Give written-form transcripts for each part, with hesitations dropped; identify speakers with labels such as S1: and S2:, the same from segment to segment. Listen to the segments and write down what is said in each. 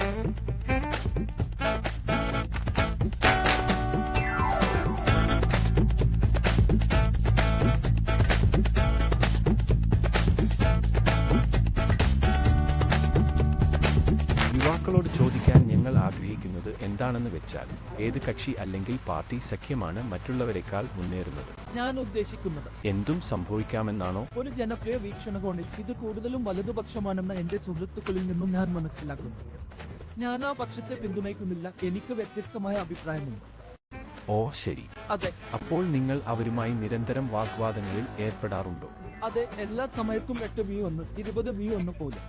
S1: യുവാക്കളോട് ചോദിക്കാൻ ഞങ്ങൾ ആഗ്രഹിക്കുന്നത് എന്താണെന്ന് വെച്ചാൽ, ഏത് കക്ഷി അല്ലെങ്കിൽ പാർട്ടി സഖ്യമാണ് മറ്റുള്ളവരെക്കാൾ മുന്നേറുന്നത്?
S2: ഞാൻ ഉദ്ദേശിക്കുന്നത്
S1: എന്തും സംഭവിക്കാമെന്നാണോ?
S2: ഒരു ജനപ്രിയ വീക്ഷണകോണിൽ ഇത് കൂടുതലും വലതുപക്ഷമാണെന്ന് എന്റെ സുഹൃത്തുക്കളിൽ നിന്നും ഞാൻ മനസ്സിലാക്കുന്നു. ഞാൻ ആ പക്ഷത്തെ പിന്തുണയ്ക്കുന്നില്ല. എനിക്ക് വ്യത്യസ്തമായ അഭിപ്രായമുണ്ട്.
S1: ഓ ശരി.
S2: അതെ.
S1: അപ്പോൾ നിങ്ങൾ അവരുമായി നിരന്തരം വാഗ്വാദങ്ങളിൽ ഏർപ്പെടാറുണ്ടോ?
S2: അതെ, എല്ലാ സമയത്തും 8v1 20v1 പോലെ.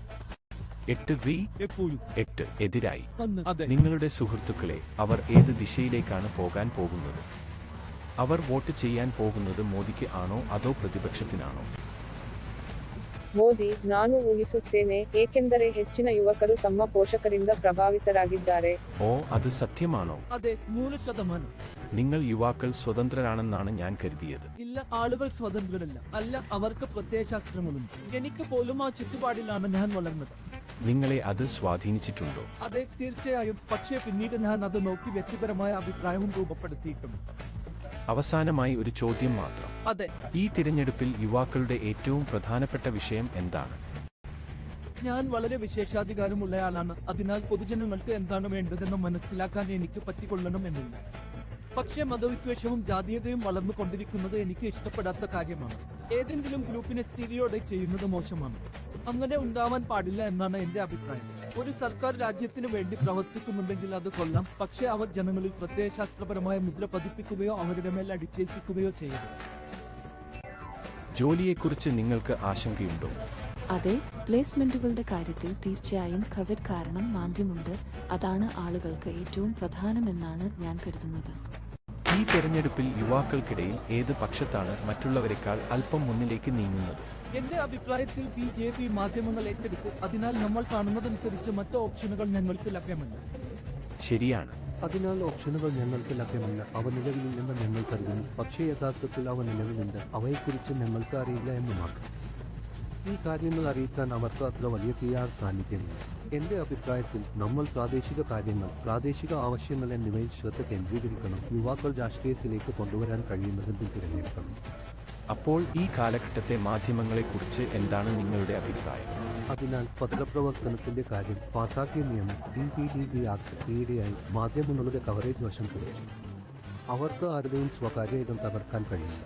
S1: 8v
S2: എപ്പോഴും
S1: 8 എതിരായി.
S2: അതെ.
S1: നിങ്ങളുടെ സുഹൃത്തുക്കളെ അവർ ഏത് ദിശയിലേക്കാണ് പോകാൻ പോകുന്നത്? അവർ വോട്ട് ചെയ്യാൻ പോകുന്നത് മോദിക്ക് ആണോ അതോ പ്രതിപക്ഷത്തിനാണോ?
S3: ಮೋದಿ, ನಾನು ಊಹಿಸುತ್ತೇನೆ, ಏಕೆಂದರೆ ಹೆಚ್ಚಿನ ಯುವಕರು ತಮ್ಮ ಪೋಷಕರಿಂದ ಪ್ರಭಾವಿತರಾಗಿದ್ದಾರೆ.
S1: ഓ, അത് സത്യമാണോ?
S2: അതെ, 100%.
S1: നിങ്ങൾ യുവാക്കൾ സ്വതന്ത്രരാണെന്നാണ് ഞാൻ കരുതിയത്.
S2: ഇല്ല, ആളുകൾ സ്വതന്ത്രരല്ല. അല്ല, അവർക്ക് പ്രത്യയശാസ്ത്രങ്ങളുണ്ട്. എനിക്ക് പോലും ആ ചുറ്റുപാടിലാണ് ഞാൻ വളർന്നത്.
S1: നിങ്ങളെ അത് സ്വാധീനിച്ചിട്ടുണ്ടോ?
S2: അതെ, തീർച്ചയായും. പക്ഷേ പിന്നീട് ഞാൻ അത് നോക്കി വ്യക്തിപരമായ അഭിപ്രായവും രൂപപ്പെടുത്തിയിട്ടുണ്ട്.
S1: അവസാനമായി ഒരു ചോദ്യം മാത്രം.
S2: അതെ.
S1: ഈ തിരഞ്ഞെടുപ്പിൽ യുവാക്കളുടെ ഏറ്റവും പ്രധാനപ്പെട്ട വിഷയം എന്താണ്?
S2: ഞാൻ വളരെ വിശേഷാധികാരമുള്ളയാളാണ്. അതിനാൽ പൊതുജനങ്ങൾക്ക് എന്താണ് വേണ്ടതെന്ന് മനസ്സിലാക്കാൻ എനിക്ക് പറ്റിക്കൊള്ളണം എന്നില്ല. പക്ഷേ മതവിദ്വേഷവും ജാതീയതയും വളർന്നുകൊണ്ടിരിക്കുന്നത് എനിക്ക് ഇഷ്ടപ്പെടാത്ത കാര്യമാണ്. ഏതെങ്കിലും ഗ്രൂപ്പിനെ സ്റ്റീരിയോടൈപ്പ് ചെയ്യുന്നത് മോശമാണ്. അങ്ങനെ ഉണ്ടാവാൻ പാടില്ല എന്നാണ് എന്റെ അഭിപ്രായം. ഒരു സർക്കാർ രാജ്യത്തിന് വേണ്ടി പ്രവർത്തിക്കുന്നുണ്ടെങ്കിൽ അത് കൊള്ളാം. പക്ഷേ അവർ ജനങ്ങളിൽ പ്രത്യയശാസ്ത്രപരമായ മുദ്ര പതിപ്പിക്കുകയോ അവരുടെ മേൽ അടിച്ചേൽപ്പിക്കുകയോ ചെയ്യരുത്.
S1: ജോലിയെക്കുറിച്ച് നിങ്ങൾക്ക് ആശങ്കയുണ്ടോ?
S4: അതെ, പ്ലേസ്മെന്റുകളുടെ കാര്യത്തിൽ തീർച്ചയായും കോവിഡ് കാരണം മാന്ദ്യമുണ്ട്. അതാണ് ആളുകൾക്ക് ഏറ്റവും പ്രധാനമെന്നാണ് ഞാൻ കരുതുന്നത്.
S1: ഈ തെരഞ്ഞെടുപ്പിൽ യുവാക്കൾക്കിടയിൽ ഏത് പക്ഷത്താണ് മറ്റുള്ളവരെക്കാൾ അല്പം മുന്നിലേക്ക് നീങ്ങുന്നത്?
S2: എന്റെ അഭിപ്രായത്തിൽ BJP മാധ്യമങ്ങൾ ഏറ്റെടുത്ത്, അതിനാൽ നമ്മൾ കാണുന്നതനുസരിച്ച് മറ്റ് ഓപ്ഷനുകൾ ഞങ്ങൾക്ക് ലഭ്യമല്ല.
S1: ശരിയാണ്.
S5: അതിനാൽ ഓപ്ഷനുകൾ ഞങ്ങൾക്ക് ലഭ്യമല്ല. അവ നിലവിലില്ലെന്ന് ഞങ്ങൾ കരുതുന്നു. പക്ഷേ യഥാർത്ഥത്തിൽ അവ നിലവിലുണ്ട്. അവയെക്കുറിച്ച് ഞങ്ങൾക്ക് അറിയില്ല എന്ന് മാത്രം. ഈ കാര്യങ്ങൾ അറിയിക്കാൻ അവർക്ക് അത്ര വലിയ PR സാന്നിധ്യമില്ല. എന്റെ അഭിപ്രായത്തിൽ നമ്മൾ പ്രാദേശിക കാര്യങ്ങൾ, പ്രാദേശിക ആവശ്യങ്ങൾ എന്നിവയിൽ ശ്രദ്ധ കേന്ദ്രീകരിക്കണം. യുവാക്കൾ രാഷ്ട്രീയത്തിലേക്ക് കൊണ്ടുവരാൻ കഴിയുന്നതെന്തും തിരഞ്ഞെടുക്കണം.
S1: അപ്പോൾ ഈ കാലഘട്ടത്തെ മാധ്യമങ്ങളെക്കുറിച്ച് എന്താണ് നിങ്ങളുടെ അഭിപ്രായം?
S5: അതിനാൽ പത്രപ്രവർത്തനത്തിന്റെ കാര്യം പാസാക്കിയ നിയമം DPDP ആക്ട് ഈയിടെയായി മാധ്യമങ്ങളുടെ കവറേജ് വശം കുറച്ചു. അവർക്ക് ആരുടെയും സ്വകാര്യത തകർക്കാൻ കഴിയില്ല.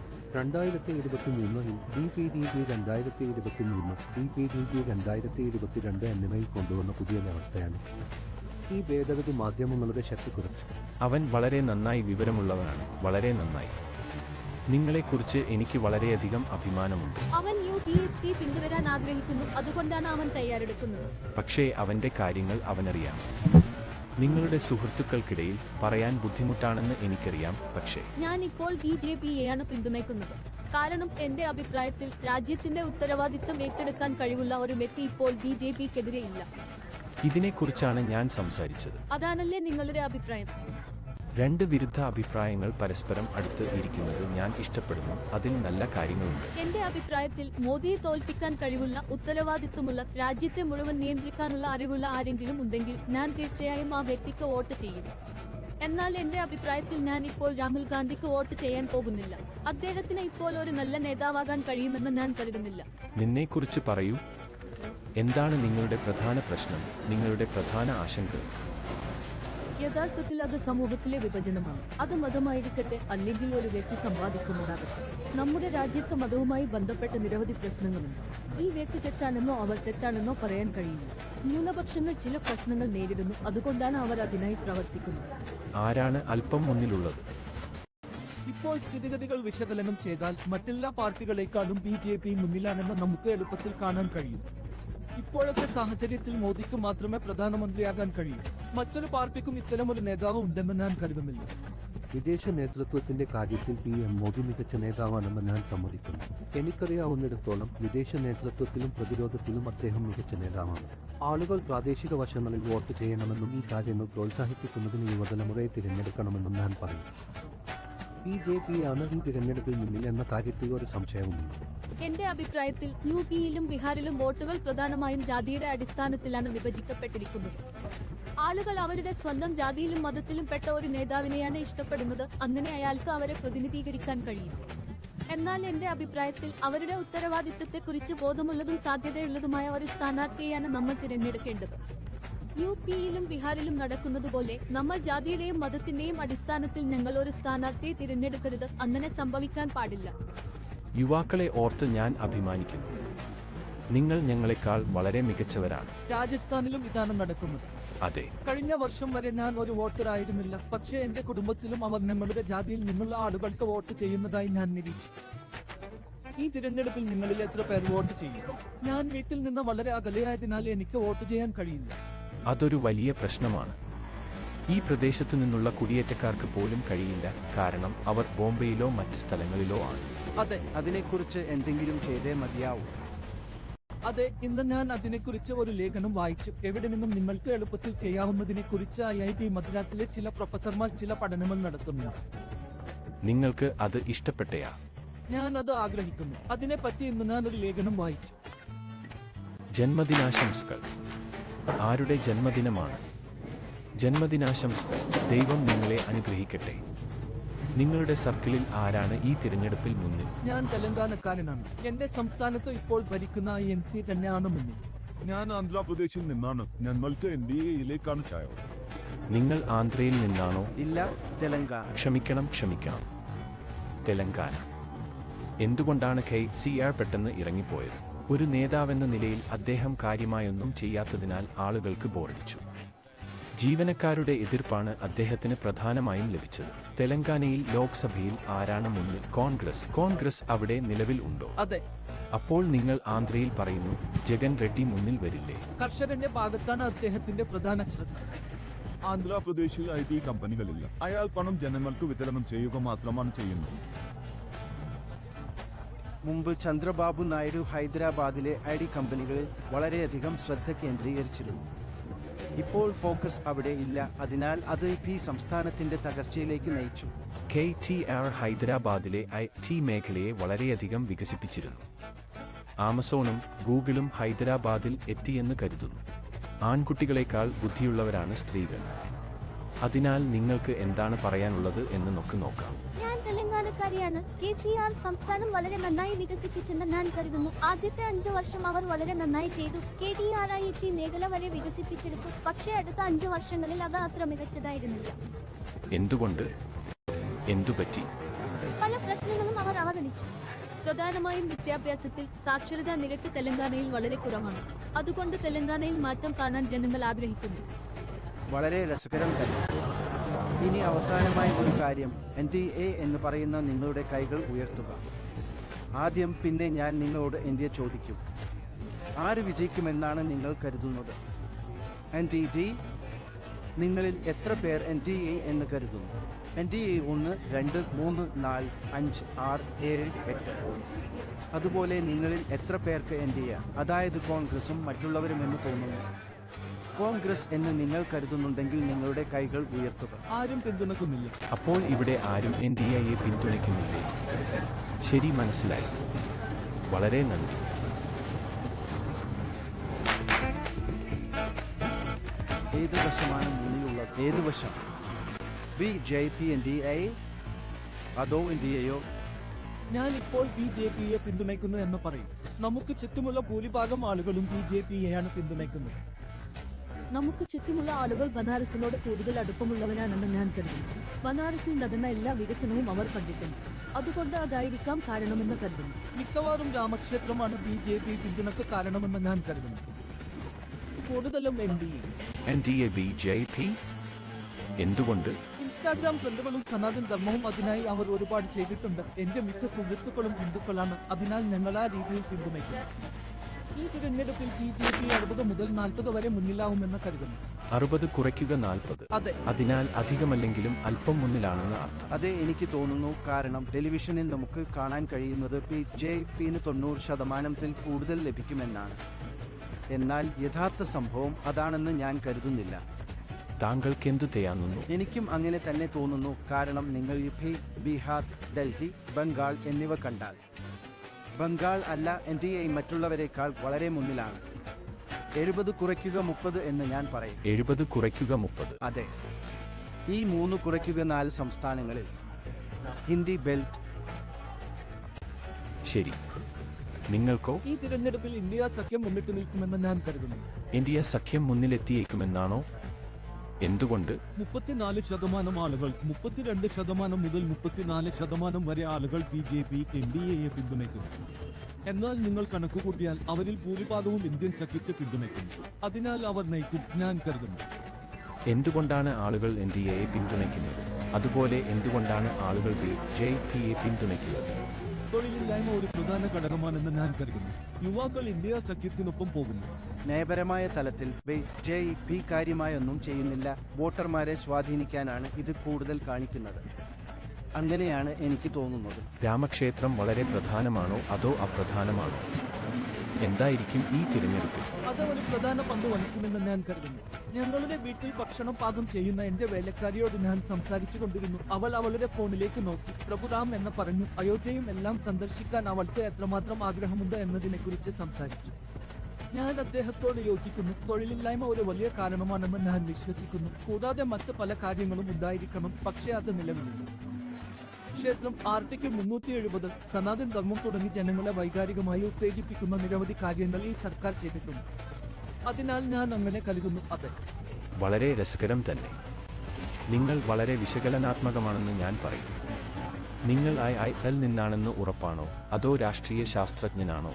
S5: 2023 DPDP 2023, DPDP 2022 എന്നിവയിൽ കൊണ്ടുവന്ന പുതിയ വ്യവസ്ഥയാണ്. ഈ ഭേദഗതി മാധ്യമങ്ങളുടെ ശക്തി കുറച്ചു.
S1: അവൻ വളരെ നന്നായി വിവരമുള്ളവനാണ്. വളരെ നന്നായി. നിങ്ങളെക്കുറിച്ച് എനിക്ക് വളരെയധികം അഭിമാനമുണ്ട്.
S6: അവൻ UPSC പിന്തുടരാൻ ആഗ്രഹിക്കുന്നു. അതുകൊണ്ടാണ് അവൻ തയ്യാറെടുക്കുന്നത്.
S1: പക്ഷേ അവന്റെ കാര്യങ്ങൾ അവനറിയാം. നിങ്ങളുടെ സുഹൃത്തുക്കൾക്കിടയിൽ പറയാൻ ബുദ്ധിമുട്ടാണെന്ന് എനിക്കറിയാം. പക്ഷേ
S6: ഞാൻ ഇപ്പോൾ BJPയെയാണ് പിന്തുണയ്ക്കുന്നത്. കാരണം എന്റെ അഭിപ്രായത്തിൽ രാജ്യത്തിന്റെ ഉത്തരവാദിത്തം ഏറ്റെടുക്കാൻ കഴിവുള്ള ഒരു വ്യക്തി ഇപ്പോൾ BJPക്കെതിരെ ഇല്ല.
S1: ഇതിനെക്കുറിച്ചാണ് ഞാൻ സംസാരിച്ചത്.
S6: അതാണല്ലേ നിങ്ങളുടെ അഭിപ്രായം?
S1: രണ്ട് വിരുദ്ധ അഭിപ്രായങ്ങൾ പരസ്പരം അടുത്ത് ഇരിക്കുന്നത് ഞാൻ ഇഷ്ടപ്പെടുന്നു. അതിൽ നല്ല കാര്യങ്ങളുണ്ട്.
S6: എന്റെ അഭിപ്രായത്തിൽ മോദിയെ തോൽപ്പിക്കാൻ കഴിവുള്ള, ഉത്തരവാദിത്വമുള്ള, രാജ്യത്തെ മുഴുവൻ നിയന്ത്രിക്കാനുള്ള അറിവുള്ള ആരെങ്കിലും ഉണ്ടെങ്കിൽ ഞാൻ തീർച്ചയായും ആ വ്യക്തിക്ക് വോട്ട് ചെയ്യും. എന്നാൽ എന്റെ അഭിപ്രായത്തിൽ ഞാൻ ഇപ്പോൾ രാഹുൽ ഗാന്ധിക്ക് വോട്ട് ചെയ്യാൻ പോകുന്നില്ല. അദ്ദേഹത്തിന് ഇപ്പോൾ ഒരു നല്ല നേതാവാകാൻ കഴിയുമെന്ന് ഞാൻ കരുതുന്നില്ല.
S1: നിന്നെക്കുറിച്ച് പറയൂ. എന്താണ് നിങ്ങളുടെ പ്രധാന പ്രശ്നം, നിങ്ങളുടെ പ്രധാന ആശങ്ക?
S6: യഥാർത്ഥത്തിൽ അത് സമൂഹത്തിലെ വിഭജനമാണ്. അത് മതമായിരിക്കട്ടെ അല്ലെങ്കിൽ ഒരു വ്യക്തി സമ്പാദിക്കുന്നതാകട്ടെ. നമ്മുടെ രാജ്യത്ത് മതവുമായി ബന്ധപ്പെട്ട നിരവധി പ്രശ്നങ്ങളുണ്ട്. ഈ വ്യക്തി തെറ്റാണെന്നോ അവർ തെറ്റാണെന്നോ പറയാൻ കഴിയില്ല. ന്യൂനപക്ഷങ്ങൾ ചില പ്രശ്നങ്ങൾ നേരിടുന്നു. അതുകൊണ്ടാണ് അവർ അതിനായി പ്രവർത്തിക്കുന്നത്.
S1: ആരാണ് അല്പം മുന്നിലുള്ളത്?
S2: ഇപ്പോൾ സ്ഥിതിഗതികൾ വിശകലനം ചെയ്താൽ മറ്റെല്ലാ പാർട്ടികളെക്കാളും BJP മുന്നിലാണെന്ന് നമുക്ക് എളുപ്പത്തിൽ കാണാൻ കഴിയും. ഇപ്പോഴത്തെ സാഹചര്യത്തിൽ മോദിക്ക് മാത്രമേ പ്രധാനമന്ത്രിയാകാൻ കഴിയൂ. മറ്റൊരു പാർട്ടിക്കും ഇത്തരമൊരു നേതാവ് ഉണ്ടെന്ന് ഞാൻ കരുതുന്നില്ല.
S5: വിദേശ നേതൃത്വത്തിന്റെ കാര്യത്തിൽ PM മോദി മികച്ച നേതാവാണെന്ന് ഞാൻ സമ്മതിക്കുന്നു. എനിക്കറിയാവുന്നിടത്തോളം വിദേശ നേതൃത്വത്തിലും പ്രതിരോധത്തിലും അദ്ദേഹം മികച്ച നേതാവാണ്. ആളുകൾ പ്രാദേശിക വശങ്ങളിൽ വോട്ട് ചെയ്യണമെന്നും ഈ കാര്യങ്ങൾ പ്രോത്സാഹിപ്പിക്കുന്നതിന് യുവതലമുറയെ തിരഞ്ഞെടുക്കണമെന്നും ഞാൻ പറയും. BJP ആണ് ഈ തിരഞ്ഞെടുപ്പിൽ മുന്നിൽ എന്ന കാര്യത്തിൽ ഒരു സംശയവുമില്ല.
S6: എന്റെ അഭിപ്രായത്തിൽ UP-യിലും ബീഹാറിലും വോട്ടുകൾ പ്രധാനമായും ജാതിയുടെ അടിസ്ഥാനത്തിലാണ് വിഭജിക്കപ്പെട്ടിരിക്കുന്നത്. ആളുകൾ അവരുടെ സ്വന്തം ജാതിയിലും മതത്തിലും പെട്ട ഒരു നേതാവിനെയാണ് ഇഷ്ടപ്പെടുന്നത്. അങ്ങനെ അയാൾക്ക് അവരെ പ്രതിനിധീകരിക്കാൻ കഴിയും. എന്നാൽ എന്റെ അഭിപ്രായത്തിൽ അവരുടെ ഉത്തരവാദിത്തത്തെക്കുറിച്ച് ബോധമുള്ളതും സാധ്യതയുള്ളതുമായ ഒരു സ്ഥാനാർത്ഥിയെയാണ് നമ്മൾ തിരഞ്ഞെടുക്കേണ്ടത്. UP-യിലും ബീഹാറിലും നടക്കുന്നതുപോലെ നമ്മൾ ജാതിയുടെയും മതത്തിന്റെയും അടിസ്ഥാനത്തിൽ ഞങ്ങൾ ഒരു സ്ഥാനാർത്ഥിയെ തിരഞ്ഞെടുക്കരുത്. അങ്ങനെ സംഭവിക്കാൻ പാടില്ല.
S1: യുവാക്കളെ ഓർത്ത് ഞാൻ അഭിമാനിക്കുന്നു. നിങ്ങൾ ഞങ്ങളെക്കാൾ വളരെ മികച്ചവരാണ്.
S2: രാജസ്ഥാനിലും ഇതാണ് നടക്കുന്നത്.
S1: അതെ,
S2: കഴിഞ്ഞ വർഷം വരെ ഞാൻ ഒരു വോട്ടർ ആയിരുന്നില്ല. പക്ഷേ എന്റെ കുടുംബത്തിലും അവർ ഞങ്ങളുടെ ജാതിയിൽ നിന്നുള്ള ആളുകൾക്ക് വോട്ട് ചെയ്യുന്നതായി ഞാൻ നിരീക്ഷിച്ചു. ഈ തിരഞ്ഞെടുപ്പിൽ നിങ്ങളിൽ എത്ര പേർ വോട്ട് ചെയ്യും? ഞാൻ വീട്ടിൽ നിന്ന് വളരെ അകലെയായതിനാൽ എനിക്ക് വോട്ട് ചെയ്യാൻ കഴിയില്ല.
S1: അതൊരു വലിയ പ്രശ്നമാണ്. ഈ പ്രദേശത്തു നിന്നുള്ള കുടിയേറ്റക്കാർക്ക് പോലും കഴിയില്ല, കാരണം അവർ ബോംബെയിലോ മറ്റ് സ്ഥലങ്ങളിലോ ആണ്.
S2: അതെ,
S7: അതിനെക്കുറിച്ച് എന്തെങ്കിലും ചെയ്തേ മതിയാവൂ.
S2: അതെ, ഇന്ന് ഞാൻ അതിനെക്കുറിച്ച് ഒരു ലേഖനം വായിച്ചു. എവിടെ നിന്നും നിങ്ങൾക്ക് എളുപ്പത്തിൽ ചെയ്യാവുന്നതിനെക്കുറിച്ച് IIT മദ്രാസിലെ ചില പ്രൊഫസർമാർ ചില പഠനങ്ങൾ നടത്തുന്നു.
S1: നിങ്ങൾക്ക് അത് ഇഷ്ടപ്പെട്ടയാ?
S2: ഞാൻ അത് ആഗ്രഹിക്കുന്നു. അതിനെപ്പറ്റി ഇന്ന് ഞാൻ ഒരു ലേഖനം വായിച്ചു.
S1: ജന്മദിനാശംസകൾ. ആരുടെ ജന്മദിനമാണ്? ജന്മദിനാശംസകൾ. ദൈവം നിങ്ങളെ അനുഗ്രഹിക്കട്ടെ. നിങ്ങളുടെ സർക്കിളിൽ ആരാണ് ഈ തിരഞ്ഞെടുപ്പിൽ മുന്നിൽ?
S2: ഞാൻ തെലങ്കാനക്കാരനാണ്. എന്റെ സംസ്ഥാനത്ത് ഇപ്പോൾ ഭരിക്കുന്ന INC തന്നെയാണ് മുന്നിൽ.
S8: ഞാൻ ആന്ധ്രാപ്രദേശിൽ നിന്നാണ്. ഞങ്ങൾക്ക് NDAയിലേക്കാണ് ചായ.
S1: നിങ്ങൾ ആന്ധ്രയിൽ നിന്നാണോ?
S7: ഇല്ല, തെലങ്കാന.
S1: ക്ഷമിക്കണം. തെലങ്കാന. എന്തുകൊണ്ടാണ് KCR പെട്ടെന്ന് ഇറങ്ങിപ്പോയത്? ഒരു നേതാവെന്ന നിലയിൽ അദ്ദേഹം കാര്യമായൊന്നും ചെയ്യാത്തതിനാൽ ആളുകൾക്ക് ബോറടിച്ചു. ജീവനക്കാരുടെ എതിർപ്പാണ് അദ്ദേഹത്തിന് പ്രധാനമായും ലഭിച്ചത്. തെലങ്കാനയിൽ ലോക്സഭയിൽ ആരാണ് മുന്നിൽ? കോൺഗ്രസ് അവിടെ നിലവിൽ ഉണ്ടോ?
S2: അതെ.
S1: അപ്പോൾ നിങ്ങൾ ആന്ധ്രയിൽ പറയുന്നു ജഗൻ റെഡ്ഡി മുന്നിൽ വരില്ലേ?
S2: കർഷകന്റെ ഭാഗത്താണ് അദ്ദേഹത്തിന്റെ പ്രധാന ശ്രദ്ധ.
S8: ആന്ധ്രാപ്രദേശിൽ IT കമ്പനികളില്ല. അയാൾ പണം ജനങ്ങൾക്ക് വിതരണം ചെയ്യുക മാത്രമാണ് ചെയ്യുന്നത്.
S7: മുമ്പ് ചന്ദ്രബാബു നായിഡു ഹൈദരാബാദിലെ ID കമ്പനികളിൽ വളരെയധികം ശ്രദ്ധ കേന്ദ്രീകരിച്ചിരുന്നു. ഇപ്പോൾ ഫോക്കസ് അവിടെ ഇല്ല. അതിനാൽ അത് ഈ സംസ്ഥാനത്തിന്റെ തകർച്ചയിലേക്ക് നയിച്ചു.
S1: KTR ഹൈദരാബാദിലെ IT മേഖലയെ വളരെയധികം വികസിപ്പിച്ചിരുന്നു. ആമസോണും ഗൂഗിളും ഹൈദരാബാദിൽ എത്തിയെന്ന് കരുതുന്നു. ആൺകുട്ടികളെക്കാൾ ബുദ്ധിയുള്ളവരാണ് സ്ത്രീകൾ. അതിനാൽ നിങ്ങൾക്ക് എന്താണ് പറയാനുള്ളത് എന്ന് നമുക്ക് നോക്കാം.
S9: ഞാൻ തെലങ്കാനക്കാരിയാണ്. KCR സംസ്ഥാനം വളരെ നന്നായി വികസിപ്പിച്ചെന്ന് ഞാൻ കരുതുന്നു. ആദ്യത്തെ 5 വർഷം അവർ വളരെ നന്നായി ചെയ്തു. KTR IT മേഖല വരെ വികസിപ്പിച്ചെടുത്തു. പക്ഷേ അടുത്ത 5 വർഷങ്ങളിൽ അത് അത്ര മികച്ചതായിരുന്നില്ല.
S1: എന്തുകൊണ്ട്? എന്തുപറ്റി?
S9: പല പ്രശ്നങ്ങളും അവർ അവഗണിച്ചു.
S6: പ്രധാനമായും വിദ്യാഭ്യാസത്തിൽ സാക്ഷരതാ നിരക്ക് തെലങ്കാനയിൽ വളരെ കുറവാണ്. അതുകൊണ്ട് തെലങ്കാനയിൽ മാറ്റം കാണാൻ ജനങ്ങൾ ആഗ്രഹിക്കുന്നു.
S7: വളരെ രസകരം തന്നെ. ഇനി അവസാനമായി ഒരു കാര്യം, NDA എന്ന് പറയുന്ന നിങ്ങളുടെ കൈകൾ ഉയർത്തുക. ആദ്യം പിന്നെ ഞാൻ നിങ്ങളോട് NDA ചോദിക്കും. ആര് വിജയിക്കുമെന്നാണ് നിങ്ങൾ കരുതുന്നത്? NDD? നിങ്ങളിൽ എത്ര പേർ NDA എന്ന് കരുതുന്നു? NDA 1, 2, 3, 4, 5, 6, 7, 8. അതുപോലെ നിങ്ങളിൽ എത്ര പേർക്ക് NDA, അതായത് കോൺഗ്രസും മറ്റുള്ളവരും എന്ന് തോന്നുന്നു? കോൺഗ്രസ് എന്ന് നിങ്ങൾ കരുതുന്നുണ്ടെങ്കിൽ നിങ്ങളുടെ കൈകൾ ഉയർത്തുക.
S2: ആരും പിന്തുണക്കുന്നില്ല.
S1: അപ്പോൾ ഇവിടെ ആരും NDAയെ പിന്തുണയ്ക്കുന്നില്ലേ? ശരി, മനസ്സിലായി. വളരെ നന്ദി.
S7: ഏത് വശമാണ് മുന്നിലുള്ളത്? ഏത് വശം? BJP NDA അതോ NDAയോ?
S2: ഞാൻ ഇപ്പോൾ BJPയെ പിന്തുണയ്ക്കുന്നു എന്ന് പറയും. നമുക്ക് ചുറ്റുമുള്ള ഭൂരിഭാഗം ആളുകളും BJPയെയാണ് പിന്തുണയ്ക്കുന്നത്.
S6: നമുക്ക് ചുറ്റുമുള്ള ആളുകൾ ബനാറസിനോട് കൂടുതൽ അടുപ്പമുള്ളവരാണെന്ന് ഞാൻ കരുതുന്നു. ബനാറസിൽ നടന്ന എല്ലാ വികസനവും അവർ കണ്ടിട്ടുണ്ട്. അതുകൊണ്ട് അതായിരിക്കാം കാരണമെന്ന് കരുതുന്നു.
S2: മിക്കവാറും രാമക്ഷേത്രമാണ് BJP പിന്തുണക്ക് കാരണമെന്ന് ഞാൻ കരുതുന്നു. കൂടുതലും
S1: NDA BJP? എന്തുകൊണ്ട്?
S2: ഇൻസ്റ്റാഗ്രാം ട്രെൻഡുകളും സനാതൻ ധർമ്മവും അതിനായി അവർ ഒരുപാട് ചെയ്തിട്ടുണ്ട്. എന്റെ മിക്ക സുഹൃത്തുക്കളും ഹിന്ദുക്കളാണ്. അതിനാൽ ഞങ്ങൾ ആ രീതിയിൽ പിന്തുണയ്ക്കും. ഈ തിരഞ്ഞെടുപ്പിൽ BJP 60 മുതൽ 40 വരെ മുന്നിലാവുമെന്ന് കരുതുന്നു.
S1: 60 കുറയ്ക്കുക 40.
S2: അതെ.
S1: അതിനാൽ അധികമല്ലെങ്കിലും അല്പം മുന്നിലാണെന്ന് അർത്ഥം.
S7: അതെ, എനിക്ക് തോന്നുന്നു. കാരണം ടെലിവിഷനിൽ നമുക്ക് കാണാൻ കഴിയുന്നത് BJPന് 90% കൂടുതൽ ലഭിക്കുമെന്നാണ്. എന്നാൽ യഥാർത്ഥ സംഭവം അതാണെന്ന് ഞാൻ കരുതുന്നില്ല.
S1: താങ്കൾക്കെന്തു തോന്നുന്നു?
S7: എനിക്കും അങ്ങനെ തന്നെ തോന്നുന്നു. കാരണം നിങ്ങൾ യുപി, ബീഹാർ, ഡൽഹി, ബംഗാൾ എന്നിവ കണ്ടാൽ ബംഗാൾ അല്ല NDA മറ്റുള്ളവരെക്കാൾ വളരെ മുന്നിലാണ്. 70 കുറയ്ക്കുക 30 എന്ന് ഞാൻ പറയും.
S1: 70 കുറയ്ക്കുക 30.
S7: അതെ, ഈ 3 കുറയ്ക്കുക 4 സംസ്ഥാനങ്ങളിൽ ഹിന്ദി ബെൽറ്റ്.
S1: ശരി. നിങ്ങൾക്കോ?
S2: ഈ തിരഞ്ഞെടുപ്പിൽ ഇന്ത്യ സഖ്യം മുന്നിട്ട് നിൽക്കുമെന്ന് ഞാൻ കരുതുന്നു.
S1: ഇന്ത്യ സഖ്യം മുന്നിലെത്തിയേക്കുമെന്നാണോ? എന്തുകൊണ്ട്?
S2: 34% ആളുകൾ, 32% മുതൽ 34% വരെ ആളുകൾ BJP NDAയെ പിന്തുണയ്ക്കുന്നു. എന്നാൽ നിങ്ങൾ കണക്കുകൂട്ടിയാൽ അവരിൽ ഭൂരിഭാഗവും ഇന്ത്യൻ സഖ്യത്തെ പിന്തുണയ്ക്കുന്നു. അതിനാൽ അവർ നയിക്കും ഞാൻ കരുതുന്നു.
S1: എന്തുകൊണ്ടാണ് ആളുകൾ NDAയെ പിന്തുണയ്ക്കുന്നത്? അതുപോലെ എന്തുകൊണ്ടാണ് ആളുകൾ BJPയെ പിന്തുണയ്ക്കുന്നത്?
S2: തൊഴിലില്ലായ്മ ഒരു പ്രധാന ഘടകമാണെന്ന് ഞാൻ കരുതുന്നു. യുവാക്കൾ ഇന്ത്യ സഖ്യത്തിനൊപ്പം പോകുന്നു.
S7: നയപരമായ തലത്തിൽ BJP കാര്യമായൊന്നും ചെയ്യുന്നില്ല. വോട്ടർമാരെ സ്വാധീനിക്കാനാണ് ഇത് കൂടുതൽ കാണിക്കുന്നത്. അങ്ങനെയാണ് എനിക്ക് തോന്നുന്നത്.
S1: രാമക്ഷേത്രം വളരെ പ്രധാനമാണോ അതോ അപ്രധാനമാണോ? എന്തായിരിക്കും ഈ തിരഞ്ഞെടുപ്പിൽ?
S2: അത് ഒരു പ്രധാന പങ്ക് വഹിക്കുമെന്ന് ഞാൻ കരുതുന്നു. ഞങ്ങളുടെ വീട്ടിൽ ഭക്ഷണം പാകം ചെയ്യുന്ന എന്റെ വേലക്കാരിയോട് ഞാൻ സംസാരിച്ചു കൊണ്ടിരുന്നു. അവൾ അവളുടെ ഫോണിലേക്ക് നോക്കി പ്രഭുറാം എന്ന് പറഞ്ഞു. അയോധ്യയും എല്ലാം സന്ദർശിക്കാൻ അവൾക്ക് എത്രമാത്രം ആഗ്രഹമുണ്ട് എന്നതിനെക്കുറിച്ച് സംസാരിച്ചു. ഞാൻ അദ്ദേഹത്തോട് യോജിക്കുന്നു. തൊഴിലില്ലായ്മ ഒരു വലിയ കാരണമാണെന്ന് ഞാൻ വിശ്വസിക്കുന്നു. കൂടാതെ മറ്റ് പല കാര്യങ്ങളും ഉണ്ടായിരിക്കണം, പക്ഷേ അത് നിലവിലില്ല. ക്ഷേത്രം, ആർട്ടിക്കിൾ 370, സനാതൻ ധർമ്മം തുടങ്ങി ജനങ്ങളെ വൈകാരികമായി ഉത്തേജിപ്പിക്കുന്ന നിരവധി കാര്യങ്ങൾ ഈ സർക്കാർ ചെയ്തിട്ടുണ്ട്. അതിനാൽ ഞാൻ അങ്ങനെ കരുതുന്നു. അതെ,
S1: വളരെ രസകരം തന്നെ. നിങ്ങൾ വളരെ വിശകലനാത്മകമാണെന്ന് ഞാൻ പറയും. നിങ്ങൾ IIL നിന്നാണെന്ന് ഉറപ്പാണോ അതോ രാഷ്ട്രീയ ശാസ്ത്രജ്ഞനാണോ?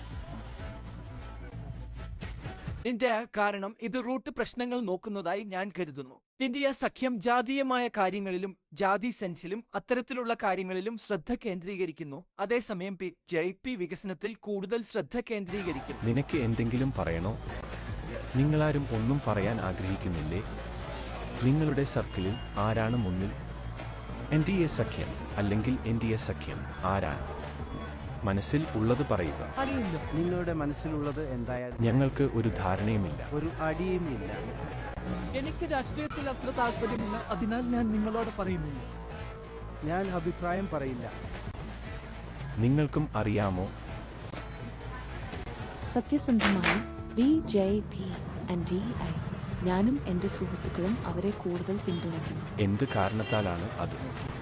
S2: എന്റെ കാരണം ഇത് റൂട്ട് പ്രശ്നങ്ങൾ നോക്കുന്നതായി ഞാൻ കരുതുന്നു. ഇന്ത്യ സഖ്യം ജാതീയമായ കാര്യങ്ങളിലും ജാതി സെൻസിലും അത്തരത്തിലുള്ള കാര്യങ്ങളിലും ശ്രദ്ധ കേന്ദ്രീകരിക്കുന്നു. അതേസമയം BJP വികസനത്തിൽ കൂടുതൽ ശ്രദ്ധ കേന്ദ്രീകരിക്കുന്നു.
S1: നിനക്ക് എന്തെങ്കിലും പറയണോ? നിങ്ങളാരും ഒന്നും പറയാൻ ആഗ്രഹിക്കുന്നില്ലേ? നിങ്ങളുടെ സർക്കിളിൽ ആരാണ് മുന്നിൽ? NDA സഖ്യം അല്ലെങ്കിൽ NDA സഖ്യം ആരാണ്? മനസ്സിൽ ഉള്ളത് പറയുക.
S2: അറിയില്ല.
S7: നിങ്ങളുടെ മനസ്സിലുള്ളത് എന്തായാലും
S1: ഞങ്ങൾക്ക് ഒരു ധാരണയുമില്ല.
S7: ഒരു അടിയും ഇല്ല.
S2: എനിക്ക് രാഷ്ട്രീയത്തിൽ അത്ര താല്പര്യമില്ല. അതിനാൽ ഞാൻ നിങ്ങളോട് പറയുന്നില്ല.
S7: ഞാൻ അഭിപ്രായം പറയില്ല.
S1: നിങ്ങൾക്കും അറിയാമോ?
S4: സത്യസന്ധമായി BJP NDA ഞാനും എൻ്റെ സുഹൃത്തുക്കളും അവരെ കൂടുതൽ പിന്തുണയ്ക്കുന്നു.
S1: എന്ത് കാരണത്താലാണ് അത്?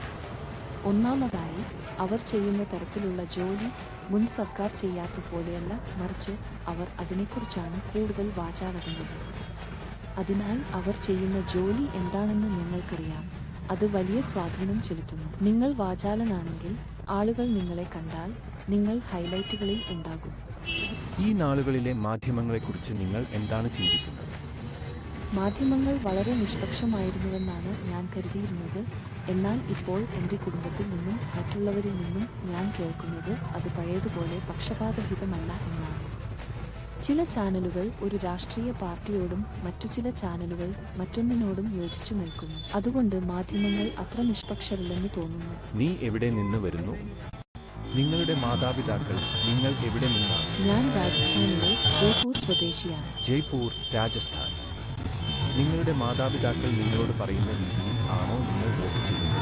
S4: ഒന്നാമതായി, അവർ ചെയ്യുന്ന തരത്തിലുള്ള ജോലി മുൻ സർക്കാർ ചെയ്യാത്ത പോലെയല്ല, മറിച്ച് അവർ അതിനെക്കുറിച്ചാണ് കൂടുതൽ വാചാലകുന്നത്. അതിനാൽ അവർ ചെയ്യുന്ന ജോലി എന്താണെന്ന് ഞങ്ങൾക്കറിയാം. അത് വലിയ സ്വാധീനം ചെലുത്തുന്നു. നിങ്ങൾ വാചാലനാണെങ്കിൽ ആളുകൾ നിങ്ങളെ കണ്ടാൽ നിങ്ങൾ ഹൈലൈറ്റുകളിൽ ഉണ്ടാകും.
S1: ഈ നാളുകളിലെ മാധ്യമങ്ങളെക്കുറിച്ച് നിങ്ങൾ എന്താണ് ചിന്തിക്കുന്നത്?
S4: മാധ്യമങ്ങൾ വളരെ നിഷ്പക്ഷമായിരുന്നുവെന്നാണ് ഞാൻ കരുതിയിരുന്നത്. എന്നാൽ ഇപ്പോൾ എൻ്റെ കുടുംബത്തിൽ നിന്നും മറ്റുള്ളവരിൽ നിന്നും ഞാൻ കേൾക്കുന്നത് അത് പഴയതുപോലെ പക്ഷപാതഹിതമല്ല എന്നാണ്. ചില ചാനലുകൾ ഒരു രാഷ്ട്രീയ പാർട്ടിയോടും മറ്റു ചില ചാനലുകൾ മറ്റൊന്നിനോടും യോജിച്ചു നിൽക്കുന്നു. അതുകൊണ്ട് മാധ്യമങ്ങൾ അത്ര നിഷ്പക്ഷരല്ലെന്ന് തോന്നുന്നു.
S1: നീ എവിടെ നിന്ന് വരുന്നു? നിങ്ങളുടെ മാതാപിതാക്കൾ നിങ്ങൾ എവിടെ നിന്നാണ്?
S4: ഞാൻ രാജസ്ഥാനിലെ ജയ്പൂർ സ്വദേശിയാണ്.
S1: ജയ്പൂർ, രാജസ്ഥാൻ. നിങ്ങളുടെ മാതാപിതാക്കൾ നിങ്ങളോട് പറയുന്ന രീതിയിൽ ആണോ നിങ്ങൾ വോട്ട് ചെയ്യുന്നത്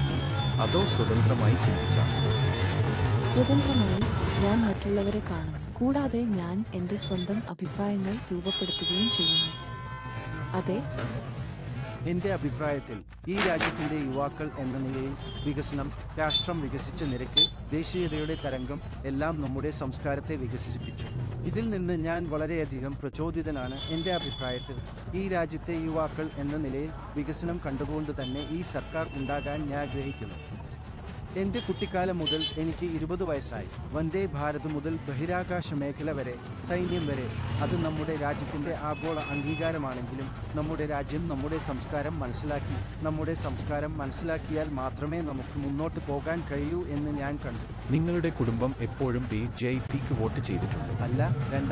S1: അതോ സ്വതന്ത്രമായി ചിന്തിച്ചാണോ?
S4: സ്വതന്ത്രമായി ഞാൻ മറ്റുള്ളവരെ കാണുന്നു. കൂടാതെ ഞാൻ എൻ്റെ സ്വന്തം അഭിപ്രായങ്ങൾ രൂപപ്പെടുത്തുകയും ചെയ്യുന്നു. അതെ,
S7: എന്റെ അഭിപ്രായത്തിൽ ഈ രാജ്യത്തിന്റെ യുവാക്കൾ എന്ന നിലയിൽ വികസനം, രാഷ്ട്രം വികസിച്ച നിരക്ക്, ദേശീയതയുടെ തരംഗം എല്ലാം നമ്മുടെ സംസ്കാരത്തെ വികസിപ്പിച്ചു. ഇതിൽ നിന്ന് ഞാൻ വളരെയധികം പ്രചോദിതനാണ്. എന്റെ അഭിപ്രായത്തിൽ ഈ രാജ്യത്തെ യുവാക്കൾ എന്ന നിലയിൽ വികസനം കണ്ടുകൊണ്ട് തന്നെ ഈ സർക്കാർ ഉണ്ടാകാൻ ഞാൻ ആഗ്രഹിക്കുന്നു. എന്റെ കുട്ടിക്കാലം മുതൽ എനിക്ക് 20 വയസ്സായി. വന്ദേ ഭാരത് മുതൽ ബഹിരാകാശ മേഖല വരെ, സൈന്യം വരെ, അത് നമ്മുടെ രാജ്യത്തിന്റെ ആഗോള അംഗീകാരമാണെങ്കിലും നമ്മുടെ രാജ്യം നമ്മുടെ സംസ്കാരം മനസ്സിലാക്കി. നമ്മുടെ സംസ്കാരം മനസ്സിലാക്കിയാൽ മാത്രമേ നമുക്ക് മുന്നോട്ട് പോകാൻ കഴിയൂ എന്ന് ഞാൻ കണ്ടു.
S1: നിങ്ങളുടെ കുടുംബം എപ്പോഴും BJPക്ക് വോട്ട് ചെയ്തിട്ടുണ്ട്?
S7: അല്ല,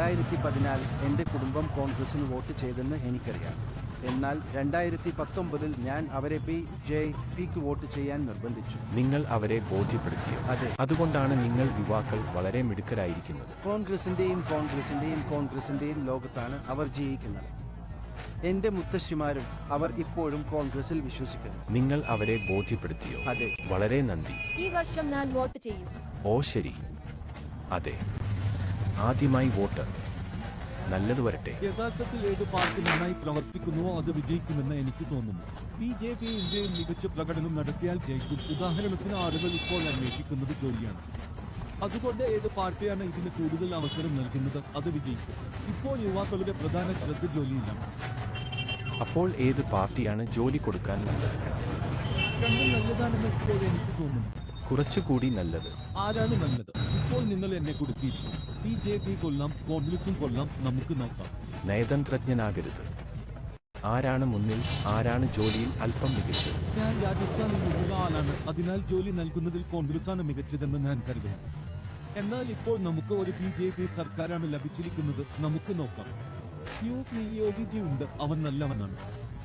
S7: 2014 എന്റെ കുടുംബം കോൺഗ്രസിന് വോട്ട് ചെയ്തെന്ന് എനിക്കറിയാം. എന്നാൽ 2019 ഞാൻ അവരെ BJPക്ക് വോട്ട് ചെയ്യാൻ നിർബന്ധിച്ചു.
S1: നിങ്ങൾ അവരെ ബോധ്യപ്പെടുത്തിയോ?
S7: അതെ.
S1: അതുകൊണ്ടാണ് നിങ്ങൾ യുവാക്കൾ വളരെ മിടുക്കരായിരിക്കുന്നത്.
S7: കോൺഗ്രസിന്റെയും ലോകത്താണ് അവർ ജീവിക്കുന്നത്. എന്റെ മുത്തശ്ശിമാരും അവർ ഇപ്പോഴും കോൺഗ്രസിൽ വിശ്വസിക്കുന്നു.
S1: നിങ്ങൾ അവരെ ബോധ്യപ്പെടുത്തിയോ?
S7: അതെ.
S1: വളരെ നന്ദി.
S6: ഈ വർഷം ഞാൻ വോട്ട് ചെയ്യും.
S1: ഓ ശരി. അതെ. ആദ്യമായി വോട്ട്. നല്ലത് വരട്ടെ.
S2: യഥാർത്ഥത്തിൽ ഏത് പാർട്ടി നന്നായി പ്രവർത്തിക്കുന്നുവോ അത് വിജയിക്കുമെന്ന് എനിക്ക് തോന്നുന്നു. BJP ഇന്ത്യയിൽ മികച്ച പ്രകടനം നടത്തിയാൽ ജയിക്കും. ഉദാഹരണത്തിന് ആളുകൾ ഇപ്പോൾ അന്വേഷിക്കുന്നത് ജോലിയാണ്. അതുകൊണ്ട് ഏത് പാർട്ടിയാണ് ഇതിന് കൂടുതൽ അവസരം നൽകുന്നത് അത് വിജയിക്കും. ഇപ്പോൾ യുവാക്കളുടെ പ്രധാന ശ്രദ്ധ ജോലിയിലാണ്.
S1: അപ്പോൾ ഏത് പാർട്ടിയാണ് ജോലി കൊടുക്കാൻ നല്ലത്?
S2: രണ്ടും നല്ലതാണെന്ന് ഇപ്പോൾ എനിക്ക് തോന്നുന്നു.
S1: കുറച്ചുകൂടി നല്ലത്.
S2: ആരാണ് നല്ലത്? ഇപ്പോൾ നിങ്ങൾ എന്നെ കുടുക്കിയിരിക്കും. BJP കൊള്ളാം, കോൺഗ്രസും കൊള്ളാം, നമുക്ക് നോക്കാം.
S1: നയതന്ത്രജ്ഞനാകരുത്. ആരാണ് മുന്നിൽ? ആരാണ് ജോലിയിൽ അല്പം മികച്ചത്?
S2: ഞാൻ രാജസ്ഥാനിൽ നിന്നുള്ള ആളാണ്. അതിനാൽ ജോലി നൽകുന്നതിൽ കോൺഗ്രസാണ് മികച്ചതെന്ന് ഞാൻ കരുതുന്നു. എന്നാൽ ഇപ്പോൾ നമുക്ക് ഒരു BJP സർക്കാരാണ് ലഭിച്ചിരിക്കുന്നത്. നമുക്ക് നോക്കാം. യോഗിജി ഉണ്ട്, അവൻ നല്ലവനാണ്.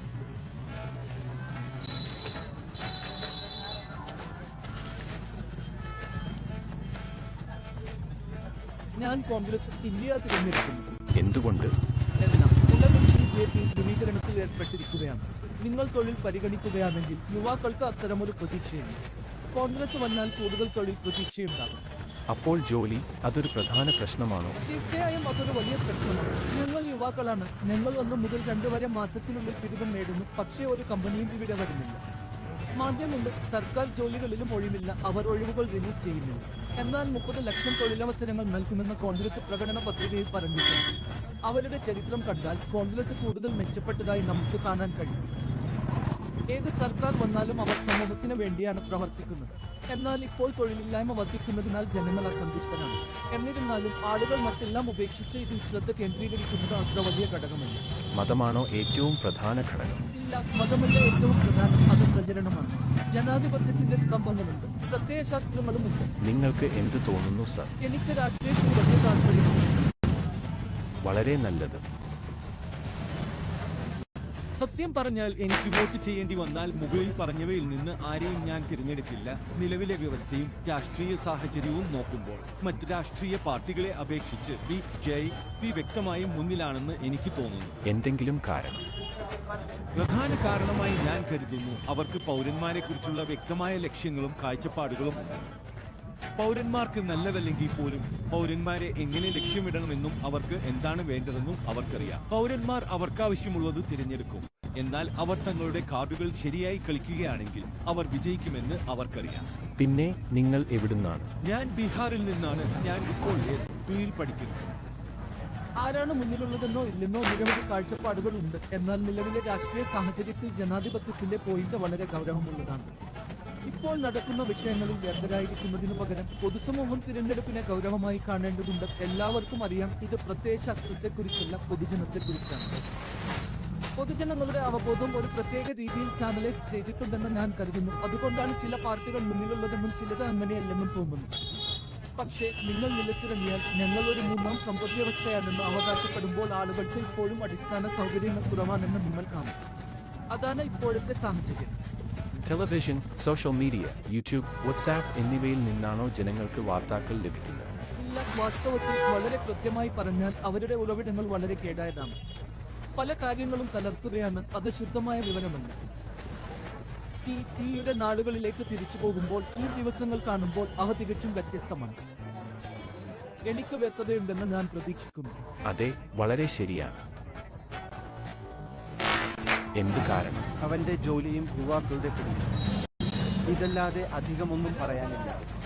S2: ഞാൻ കോൺഗ്രസ് ഇന്ത്യ തിരഞ്ഞെടുക്കുന്നു.
S1: എന്തുകൊണ്ട്?
S2: എന്നാൽ നിലവിൽ BJP ധ്രുവീകരണത്തിൽ ഏർപ്പെട്ടിരിക്കുകയാണ്. നിങ്ങൾ തൊഴിൽ പരിഗണിക്കുകയാണെങ്കിൽ യുവാക്കൾക്ക് അത്തരമൊരു പ്രതീക്ഷയുണ്ട്. കോൺഗ്രസ് വന്നാൽ കൂടുതൽ തൊഴിൽ പ്രതീക്ഷയുണ്ടാകും.
S1: അപ്പോൾ ജോലി അതൊരു പ്രധാന പ്രശ്നമാണോ?
S2: തീർച്ചയായും അതൊരു വലിയ പ്രശ്നമാണ്. ഞങ്ങൾ യുവാക്കളാണ്. ഞങ്ങൾ 1 മുതൽ 2 വരെ മാസത്തിനുള്ളിൽ ബിരുദം നേടുന്നു. പക്ഷേ ഒരു കമ്പനിയും ഇവിടെ വരുന്നില്ല. മാധ്യമമുണ്ട്, സർക്കാർ ജോലികളിലും ഒഴിവില്ല. അവർ ഒഴിവുകൾ റിലീസ് ചെയ്യുന്നില്ല. എന്നാൽ 30 ലക്ഷം തൊഴിലവസരങ്ങൾ നൽകുമെന്ന് കോൺഗ്രസ് പ്രകടന പത്രികയിൽ പറഞ്ഞിട്ടുണ്ട്. അവരുടെ ചരിത്രം കണ്ടാൽ കോൺഗ്രസ് കൂടുതൽ മെച്ചപ്പെട്ടതായി നമുക്ക് കാണാൻ കഴിയും. ഏത് സർക്കാർ വന്നാലും അവർ സമൂഹത്തിന് വേണ്ടിയാണ് പ്രവർത്തിക്കുന്നത്. എന്നാൽ ഇപ്പോൾ തൊഴിലില്ലായ്മ വർദ്ധിക്കുന്നതിനാൽ ജനങ്ങൾ അസന്തുഷ്ടരാണ്. എന്നിരുന്നാലും ആളുകൾ മറ്റെല്ലാം ഉപേക്ഷിച്ച് ഇതിൽ ശ്രദ്ധ കേന്ദ്രീകരിക്കുന്നത് അത്ര വലിയ ഘടകമല്ല.
S1: മതമാണോ ഏറ്റവും പ്രധാന ഘടകം?
S2: ഇല്ല, മതമല്ല ഏറ്റവും പ്രധാനം. അത് പ്രചരണമാണ്. ജനാധിപത്യത്തിന്റെ സ്തംഭങ്ങളുണ്ട്, പ്രത്യയശാസ്ത്രങ്ങളുമുണ്ട്.
S1: നിങ്ങൾക്ക് എന്ത് തോന്നുന്നു സർ?
S2: എനിക്ക് രാഷ്ട്രീയത്തിൽ വലിയ താല്പര്യമുണ്ട്.
S1: വളരെ നല്ലത്.
S10: സത്യം പറഞ്ഞാൽ എനിക്ക് വോട്ട് ചെയ്യേണ്ടി വന്നാൽ മുകളിൽ പറഞ്ഞവയിൽ നിന്ന് ആരെയും ഞാൻ തിരഞ്ഞെടുക്കില്ല. നിലവിലെ വ്യവസ്ഥയും രാഷ്ട്രീയ സാഹചര്യവും നോക്കുമ്പോൾ മറ്റ് രാഷ്ട്രീയ പാർട്ടികളെ അപേക്ഷിച്ച് BJP വ്യക്തമായും മുന്നിലാണെന്ന് എനിക്ക് തോന്നുന്നു.
S1: എന്തെങ്കിലും കാരണം?
S10: പ്രധാന കാരണമായി ഞാൻ കരുതുന്നു അവർക്ക് പൗരന്മാരെ കുറിച്ചുള്ള വ്യക്തമായ ലക്ഷ്യങ്ങളും കാഴ്ചപ്പാടുകളും ഉണ്ട്. പൗരന്മാർക്ക് നല്ലതല്ലെങ്കിൽ പോലും പൗരന്മാരെ എങ്ങനെ ലക്ഷ്യമിടണമെന്നും അവർക്ക് എന്താണ് വേണ്ടതെന്നും അവർക്കറിയാം. പൗരന്മാർ അവർക്കാവശ്യമുള്ളത് തിരഞ്ഞെടുക്കും. എന്നാൽ അവർ തങ്ങളുടെ കാർഡുകൾ ശരിയായി കളിക്കുകയാണെങ്കിൽ അവർ വിജയിക്കുമെന്ന് അവർക്കറിയാം.
S1: പിന്നെ നിങ്ങൾ എവിടുന്നാണ്?
S10: ഞാൻ ബീഹാറിൽ നിന്നാണ്. ഞാൻ ഇപ്പോൾ ൽ പഠിക്കുന്നു.
S2: ആരാണ് മുന്നിലുള്ളതെന്നോ ഇല്ലെന്നോ നിരവധി കാഴ്ചപ്പാടുകൾ ഉണ്ട്. എന്നാൽ നിലവിലെ രാഷ്ട്രീയ സാഹചര്യത്തിൽ ജനാധിപത്യത്തിന്റെ പോയിന്റ് വളരെ ഗൗരവമുള്ളതാണ്. ഇപ്പോൾ നടക്കുന്ന വിഷയങ്ങളിൽ വ്യക്തരായിരിക്കുന്നതിനു പകരം പൊതുസമൂഹം തിരഞ്ഞെടുപ്പിനെ ഗൗരവമായി കാണേണ്ടതുണ്ട്. എല്ലാവർക്കും അറിയാം, ഇത് പ്രത്യയശാസ്ത്രത്തെക്കുറിച്ചല്ല, പൊതുജനത്തെക്കുറിച്ചാണ്. പൊതുജനങ്ങളുടെ അവബോധം ഒരു പ്രത്യേക രീതിയിൽ ചാനലൈസ് ചെയ്തിട്ടുണ്ടെന്ന് ഞാൻ കരുതുന്നു. അതുകൊണ്ടാണ് ചില പാർട്ടികൾ മുന്നിലുള്ളതെന്നും ചിലത് അങ്ങനെയല്ലെന്നും തോന്നുന്നു. പക്ഷേ നിങ്ങൾ നിലത്തിറങ്ങിയാൽ ഞങ്ങൾ ഒരു 3ാം സമ്പദ്വ്യവസ്ഥയാണെന്ന് അവകാശപ്പെടുമ്പോൾ ആളുകൾക്ക് ഇപ്പോഴും അടിസ്ഥാന സൗകര്യങ്ങൾ കുറവാണെന്ന് നിങ്ങൾ കാണും. അതാണ് ഇപ്പോഴത്തെ സാഹചര്യം.
S1: Television, social media, YouTube, WhatsApp എന്നിവയിൽ നിന്നാണോ ജനങ്ങൾക്ക് വാർത്തകൾ ലഭിക്കുന്നത്?
S2: ഇല്ല, വാസ്തവത്തിൽ വളരെ കൃത്യമായി പറഞ്ഞാൽ അവരുടെ ഉറവിടങ്ങൾ വളരെ കേടായതാണ്. പല കാര്യങ്ങളും കലർത്തുകയാണ്. അത് ശുദ്ധമായ വിവരമല്ല. യുടെ നാടുകളിലേക്ക് തിരിച്ചു പോകുമ്പോൾ ഈ ദിവസങ്ങൾ കാണുമ്പോൾ അവ തികച്ചും വ്യത്യസ്തമാണ്. എനിക്ക് വ്യക്തതയുണ്ടെന്ന് ഞാൻ പ്രതീക്ഷിക്കുന്നു.
S1: അതെ, വളരെ ശരിയാണ്. എന്ത് കാരണം?
S7: അവന്റെ ജോലിയും യുവാക്കളുടെ പിടിയും. ഇതല്ലാതെ അധികമൊന്നും പറയാനില്ല.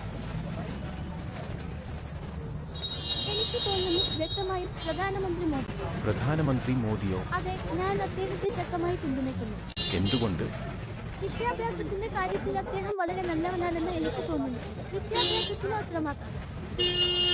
S9: എനിക്ക് തോന്നുന്നു വ്യക്തമായും
S1: പ്രധാനമന്ത്രി മോദിയോ?
S9: അതെ, ഞാൻ അദ്ദേഹത്തെ ശക്തമായി പിന്തുണയ്ക്കുന്നു.
S1: എന്തുകൊണ്ട്?
S9: വിദ്യാഭ്യാസത്തിന്റെ കാര്യത്തിൽ അദ്ദേഹം വളരെ നല്ലവനാണെന്ന് എനിക്ക് തോന്നുന്നു. വിദ്യാഭ്യാസത്തിന് അത്രമാത്രം